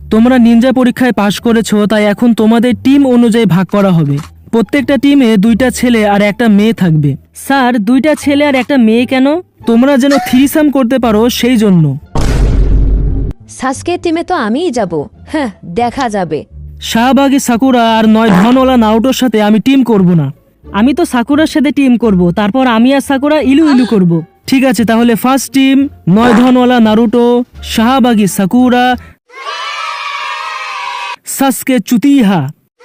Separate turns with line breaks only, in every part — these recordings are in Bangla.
তোমরা নিনজা পরীক্ষায় পাশ করেছো, তাই এখন তোমাদের টিম অনুযায়ী ভাগ করা হবে। প্রত্যেকটা টিমে 2টা ছেলে আর একটা মেয়ে থাকবে।
স্যার 2টা ছেলে আর একটা মেয়ে কেন?
তোমরা যেন থ্রিসাম করতে পারো সেই জন্য।
সাসকে টিমে তো আমিই যাব। হ্যাঁ, দেখা যাবে।
শাহবাগী সাকুরা আর 9 ধনওয়ালা নারুটোর সাথে আমি টিম করব না।
আমি তো সাকুরার সাথে টিম করব, তারপর আমি আর সাকুরা ইলু ইলু করব।
ঠিক আছে, তাহলে ফার্স্ট টিম 9 ধনওয়ালা নারুটো, শাহবাগী সাকুরা, সাসকে চুতিহা।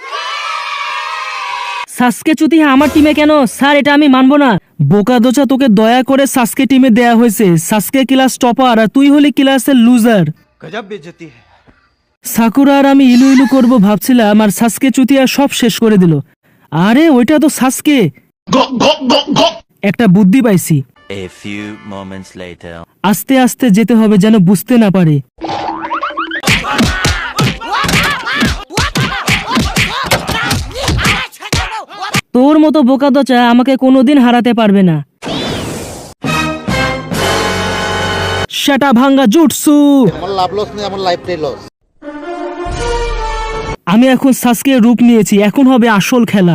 সাসকে চুতিহা আমার টিমে কেন? স্যার এটা আমি মানবো না।
বোকাদোচা, তোকে দয়া করে সাসকে টিমে দেয়া হয়েছে। সাসকে ক্লাস টপার আর তুই হলি ক্লাসের লুজার।
गजब बेइज्जती है।
সাকুরা আর আমি ইলু ইলু করবো ভাবছিলাম, আর সাসকে চুতিয়া সব শেষ করে দিল। আরে ওইটা তো সাসকে। একটা বুদ্ধি পাইছি।
A few moments later.
আস্তে আস্তে যেতে হবে যেন বুঝতে না পারে।
তোর মতো বোকাদোচা আমাকে কোনোদিন হারাতে পারবে না।
সেটা ভাঙ্গা জুটসু।
আমার লাভ লস নেই, আমার লাইফটাই লস।
আমি এখন সাসকে রূপ নিয়েছি, এখন হবে আসল খেলা।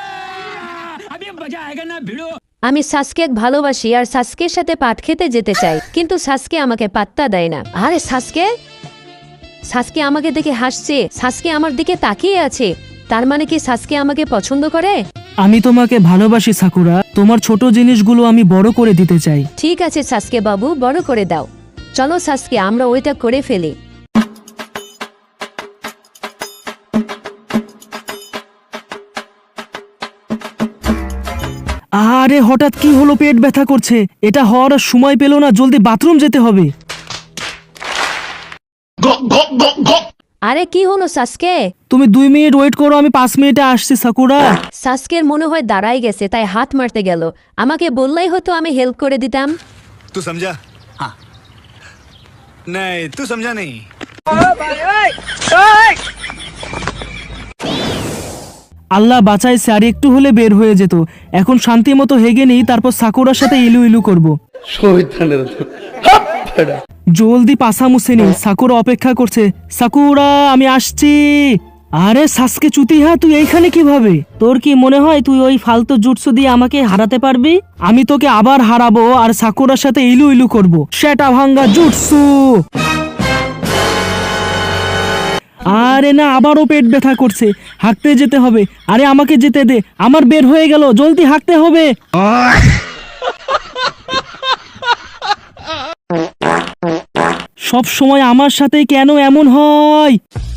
আমি সাসকে ভালোবাসি আর সাসকের সাথে পাট খেতে যেতে চাই, কিন্তু সাসকে আমাকে পাত্তা দেয় না। আরে সাসকে, সাসকে আমাকে দেখে হাসছে, সাসকে আমার দিকে তাকিয়ে আছে। তার মানে কি সাসকে আমাকে পছন্দ করে?
আমি তোমাকে ভালোবাসি সাকুরা, তোমার ছোট জিনিসগুলো আমি বড় করে দিতে চাই।
ঠিক আছে সাসকে বাবু, বড় করে দাও। চলো সাসকে, আমরা ওইটা করে ফেলি।
আরে হঠাৎ কি হলো? পেট ব্যথা করছে। এটা হওয়ার আর সময় পেল না, জলদি বাথরুম যেতে হবে।
আরে কি হলো সাসকে?
তুমি 2 মিনিট ওয়েট করো, আমি 5 মিনিটে আসছি সাকুরা।
সাসকের মনে হয় দাঁড়াই গেছে, তাই হাত মারতে গেল। আমাকে বললেই হতো, আমি হেল্প করে দিতাম।
तू समझा? हाँ। नहीं, तू समझा नहीं।
আল্লাহ বাঁচাইছে, আর একটু হলে বের হয়ে যেত। এখন শান্তি মতো হেগে নেই, তারপর সাকুরার সাথে ইলু ইলু করবো। জলদি পাসা মুছে নেই, সাকুরা অপেক্ষা করছে। সাকুরা, আমি আসছি। আরে সাসকে চুতিহা, তুই এইখানে কিভাবে?
তোর কি মনে হয় তুই ওই ফালতু জুটসু দিয়ে আমাকে হারাতে পারবি?
আমি তোকে আবার হারাবো আর সাকুরার সাথে ইলু ইলু করবো। সেটা ভাঙ্গা জুটসু। আরে না, আবারও পেট ব্যথা করছে, হাঁটতে যেতে হবে। আরে আমাকে যেতে দে, আমার বের হয়ে গেল, জলদি হাঁটতে হবে। সব সময় আমার সাথে কেন এমন হয়?